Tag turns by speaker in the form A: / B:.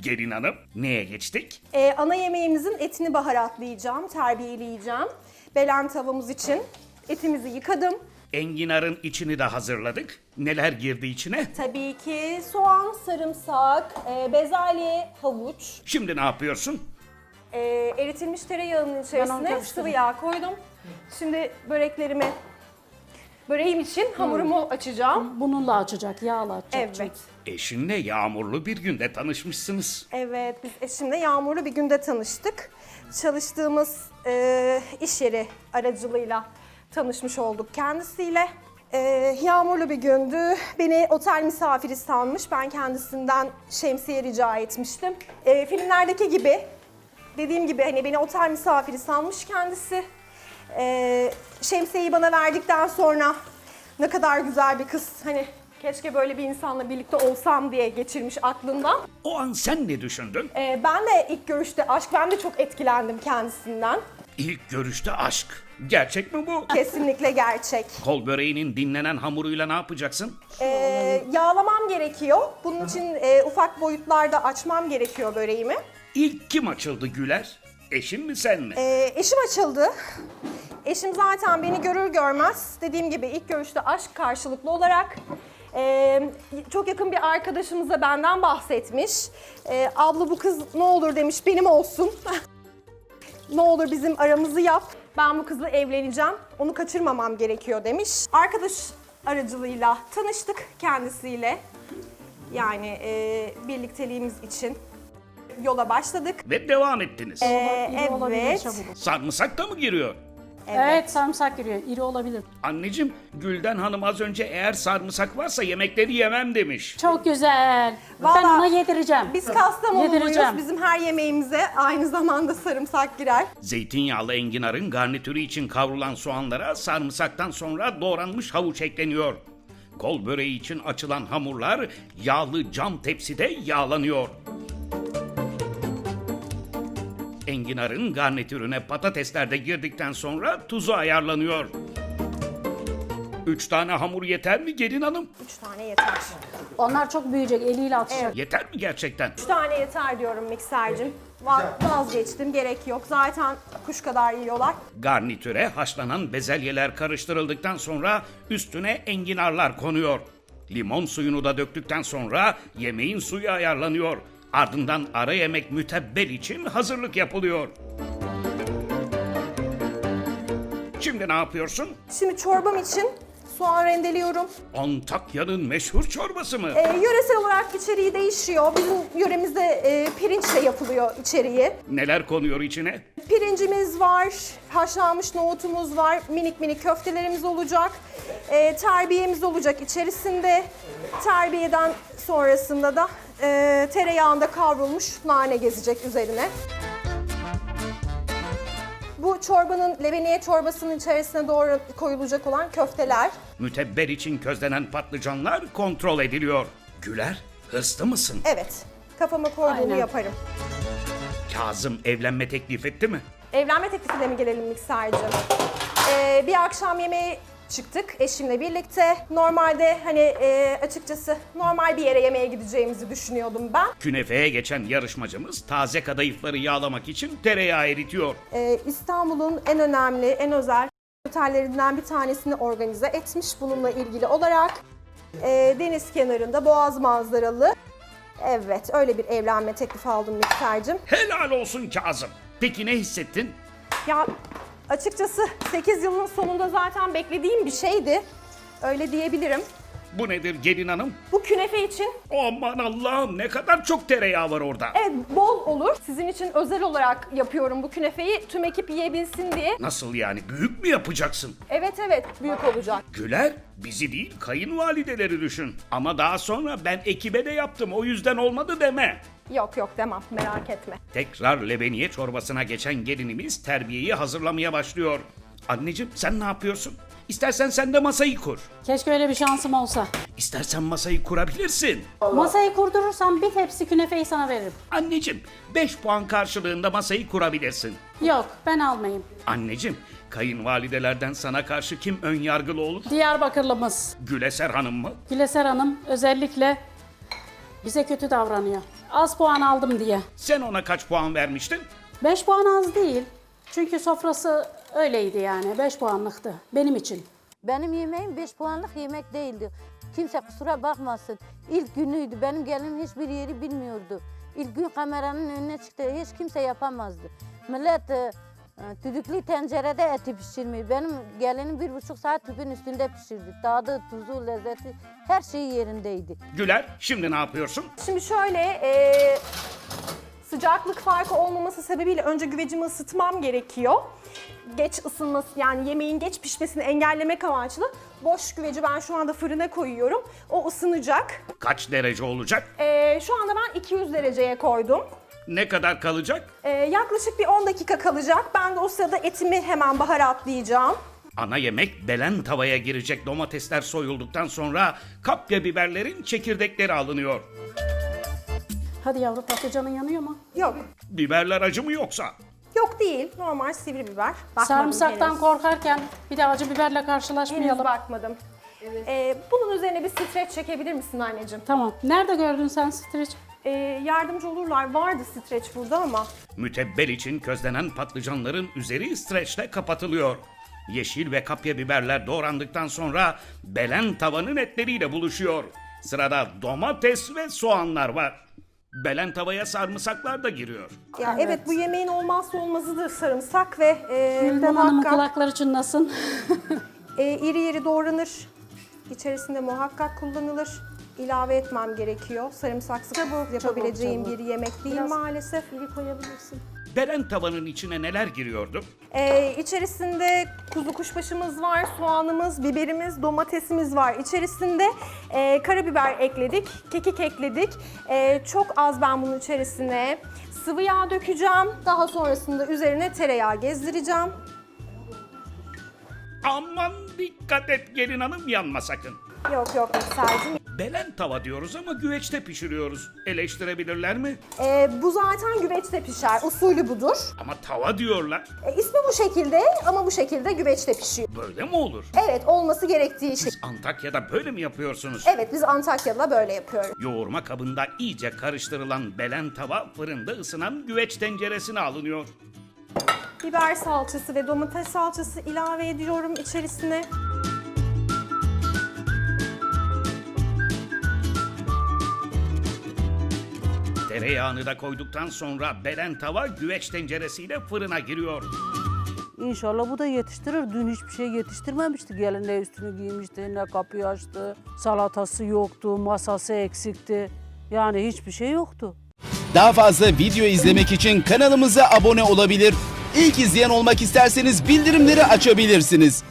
A: Gelin hanım, neye geçtik?
B: Ana yemeğimizin etini baharatlayacağım, terbiyeleyeceğim. Belen tavamız için etimizi yıkadım.
A: Enginarın içini de hazırladık. Neler girdi içine?
B: Tabii ki soğan, sarımsak, bezelye, havuç.
A: Şimdi ne yapıyorsun?
B: Eritilmiş tereyağının içerisine
C: karıştırdım.
B: sıvı yağ koydum. Şimdi böreğim için hamurumu açacağım.
C: Bununla açacak, yağla açacak.
B: Evet.
A: Eşinle yağmurlu bir günde tanışmışsınız.
B: Evet, biz eşimle yağmurlu bir günde tanıştık. Çalıştığımız iş yeri aracılığıyla tanışmış olduk kendisiyle. Yağmurlu bir gündü. Beni otel misafiri sanmış. Ben kendisinden şemsiye rica etmiştim. Filmlerdeki gibi, dediğim gibi hani beni otel misafiri sanmış kendisi. Şemsiyeyi bana verdikten sonra ne kadar güzel bir kız, hani keşke böyle bir insanla birlikte olsam diye geçirmiş aklından.
A: O an sen ne düşündün?
B: Ben de ilk görüşte ben de çok etkilendim kendisinden.
A: İlk görüşte aşk. Gerçek mi bu?
B: Kesinlikle gerçek.
A: Kol böreğinin dinlenen hamuruyla ne yapacaksın?
B: Yağlamam gerekiyor. Bunun için ufak boyutlarda açmam gerekiyor böreğimi.
A: İlk kim açıldı Güler? Eşin mi sen mi?
B: Eşim açıldı. Eşim zaten beni görür görmez, dediğim gibi ilk görüşte aşk karşılıklı olarak çok yakın bir arkadaşımıza benden bahsetmiş. Abla bu kız ne olur demiş, benim olsun. Ne olur bizim aramızı yap. Ben bu kızla evleneceğim. Onu kaçırmamam gerekiyor demiş. Arkadaş aracılığıyla tanıştık kendisiyle. Yani birlikteliğimiz için yola başladık.
A: Ve devam ettiniz.
C: İri olabilir
B: Evet.
C: çabuk.
A: Sarımsak da mı giriyor?
C: Evet, sarımsak giriyor. İri olabilir.
A: Anneciğim, Gülden Hanım az önce eğer sarımsak varsa yemekleri yemem demiş.
C: Çok güzel. Ben
B: Vallahi
C: ona yedireceğim.
B: Biz Kastamonuluyuz.
C: Yedireceğim.
B: Bizim her yemeğimize aynı zamanda sarımsak girer.
A: Zeytinyağlı enginarın garnitürü için kavrulan soğanlara sarımsaktan sonra doğranmış havuç ekleniyor. Kol böreği için açılan hamurlar yağlı cam tepside yağlanıyor. Enginarın garnitürüne patatesler de girdikten sonra tuzu ayarlanıyor. 3 tane hamur yeter mi gelin hanım?
B: 3 tane yeter.
C: Onlar çok büyüyecek, eliyle atacak.
A: Yeter mi gerçekten?
B: 3 tane yeter diyorum miksercim. Vazgeçtim, gerek yok. Zaten kuş kadar yiyorlar.
A: Garnitüre haşlanan bezelyeler karıştırıldıktan sonra üstüne enginarlar konuyor. Limon suyunu da döktükten sonra yemeğin suyu ayarlanıyor. Ardından ara yemek mütebbel için hazırlık yapılıyor. Şimdi ne yapıyorsun?
B: Şimdi çorbam için soğan rendeliyorum.
A: Antakya'nın meşhur çorbası mı?
B: Yöresel olarak içeriği değişiyor. Bizim yöremizde pirinçle yapılıyor içeriği.
A: Neler konuyor içine?
B: Pirincimiz var, haşlanmış nohutumuz var, minik minik köftelerimiz olacak. Terbiyemiz olacak içerisinde. Terbiyeden sonrasında da tereyağında kavrulmuş nane gezecek üzerine. Bu çorbanın, lebeniye çorbasının içerisine doğru koyulacak olan köfteler.
A: Mütebbel için közlenen patlıcanlar kontrol ediliyor. Güler, hırslı mısın?
B: Evet, kafama koyduğumu
C: Aynen.
B: yaparım.
A: Kazım evlenme teklif etti mi?
B: Evlenme teklifiyle mi gelelim miksercim? Bir akşam yemeğe çıktık eşimle birlikte. Normalde hani açıkçası normal bir yere yemeğe gideceğimizi düşünüyordum ben.
A: Künefeye geçen yarışmacımız taze kadayıfları yağlamak için tereyağı eritiyor.
B: İstanbul'un en önemli, en özel otellerinden bir tanesini organize etmiş bununla ilgili olarak. Deniz kenarında, boğaz manzaralı. Evet, öyle bir evlenme teklifi aldım miksercim.
A: Helal olsun Kazım. Peki ne hissettin?
B: Ya açıkçası 8 yılın sonunda zaten beklediğim bir şeydi. Öyle diyebilirim.
A: Bu nedir gelin hanım?
B: Bu künefe için
A: Aman Allah'ım ne kadar çok tereyağı var orada.
B: evet bol olur. Sizin için özel olarak yapıyorum bu künefeyi. Tüm ekip yiyebilsin diye.
A: Nasıl yani büyük mü yapacaksın?
B: Evet büyük olacak.
A: Güler bizi değil kayınvalideleri düşün. Ama daha sonra ben ekibe de yaptım o yüzden olmadı deme.
B: Yok demem, merak etme.
A: Tekrar lebeniye çorbasına geçen gelinimiz terbiyeyi hazırlamaya başlıyor. Anneciğim sen ne yapıyorsun? İstersen sen de masayı kur.
C: Keşke öyle bir şansım olsa.
A: İstersen masayı kurabilirsin.
C: Masayı kurdurursam bir tepsi künefeyi sana veririm.
A: Anneciğim 5 puan karşılığında masayı kurabilirsin.
C: Yok, ben almayayım.
A: Anneciğim kayınvalidelerden sana karşı kim ön yargılı olur?
C: Diyarbakırlımız
A: Güleser Hanım mı?
C: Güleser Hanım özellikle bize kötü davranıyor. Az puan aldım diye.
A: Sen ona kaç puan vermiştin?
C: 5 puan az değil. Çünkü sofrası öyleydi yani. 5 puanlıktı benim için.
D: Benim yemeğim 5 puanlık yemek değildi. Kimse kusura bakmasın. İlk günüydü. Benim gelinim hiçbir yeri bilmiyordu. İlk gün kameranın önüne çıktı. Hiç kimse yapamazdı. Millet düdüklü tencerede eti pişirmiyor. Benim gelinim 1,5 saat tüpün üstünde pişirdi. Tadı, tuzu, lezzeti her şeyi yerindeydi.
A: Güler, şimdi ne yapıyorsun?
B: Şimdi şöyle sıcaklık farkı olmaması sebebiyle önce güvecimi ısıtmam gerekiyor. Geç ısınması yani yemeğin geç pişmesini engellemek amaçlı boş güveci ben şu anda fırına koyuyorum. O ısınacak.
A: Kaç derece olacak?
B: Şu anda ben 200 dereceye koydum.
A: Ne kadar kalacak?
B: Yaklaşık bir 10 dakika kalacak. Ben de o sırada etimi hemen baharatlayacağım.
A: Ana yemek belen tavaya girecek. Domatesler soyulduktan sonra kapya biberlerin çekirdekleri alınıyor.
C: Hadi yavru, patlıcanın yanıyor mu?
B: Yok.
A: Biberler acı mı yoksa?
B: Yok değil. Normal sivri biber. Bakmadım
C: Sarımsaktan
B: henüz.
C: korkarken bir de acı biberle
B: Henüz
C: karşılaşmayalım.
B: bakmadım. Bunun üzerine bir streç çekebilir misin anneciğim?
C: Tamam. Nerede gördün sen streç?
B: Yardımcı olurlar. Vardı streç burada ama.
A: Mütebbel için közlenen patlıcanların üzeri streçle kapatılıyor. Yeşil ve kapya biberler doğrandıktan sonra belen tavanın etleriyle buluşuyor. Sırada domates ve soğanlar var. Belen tavaya sarımsaklar da giriyor.
B: Ya evet, bu yemeğin olmazsa olmazıdır sarımsak ve
C: Gülden Hanım'ın
B: muhakkak
C: kulakları çınlasın.
B: iri iri doğranır. İçerisinde muhakkak kullanılır. İlave etmem gerekiyor. Sarımsaksız yapabileceğim
C: çabuk.
B: bir yemek değil
C: Biraz
B: maalesef.
C: İri koyabilirsin.
A: Belen tavanın içine neler giriyordu?
B: İçerisinde kuzu kuşbaşımız var, soğanımız, biberimiz, domatesimiz var. İçerisinde karabiber ekledik, kekik ekledik. Çok az ben bunun içerisine sıvı yağ dökeceğim. Daha sonrasında üzerine tereyağı gezdireceğim.
A: Aman dikkat et gelin hanım, yanma sakın.
B: Yok yok Mikser'cim.
A: Belen tava diyoruz ama güveçte pişiriyoruz. Eleştirebilirler mi?
B: Bu zaten güveçte pişer. Usulü budur.
A: Ama tava diyorlar.
B: İsmi bu şekilde ama bu şekilde güveçte pişiyor.
A: Böyle mi olur?
B: Evet, olması gerektiği şey.
A: Siz Antakya'da böyle mi yapıyorsunuz?
B: Evet, biz Antakya'da böyle yapıyoruz.
A: Yoğurma kabında iyice karıştırılan belen tava fırında ısınan güveç tenceresine alınıyor.
B: Biber salçası ve domates salçası ilave ediyorum içerisine.
A: Tereyağını da koyduktan sonra belen tava güveç tenceresiyle fırına giriyor.
E: İnşallah bu da yetiştirir. Dün hiçbir şey yetiştirmemişti. Gelin ne üstünü giymişti, ne kapıyı açtı. Salatası yoktu, masası eksikti. Yani hiçbir şey yoktu.
F: Daha fazla video izlemek için kanalımıza abone olabilir. İlk izleyen olmak isterseniz bildirimleri açabilirsiniz.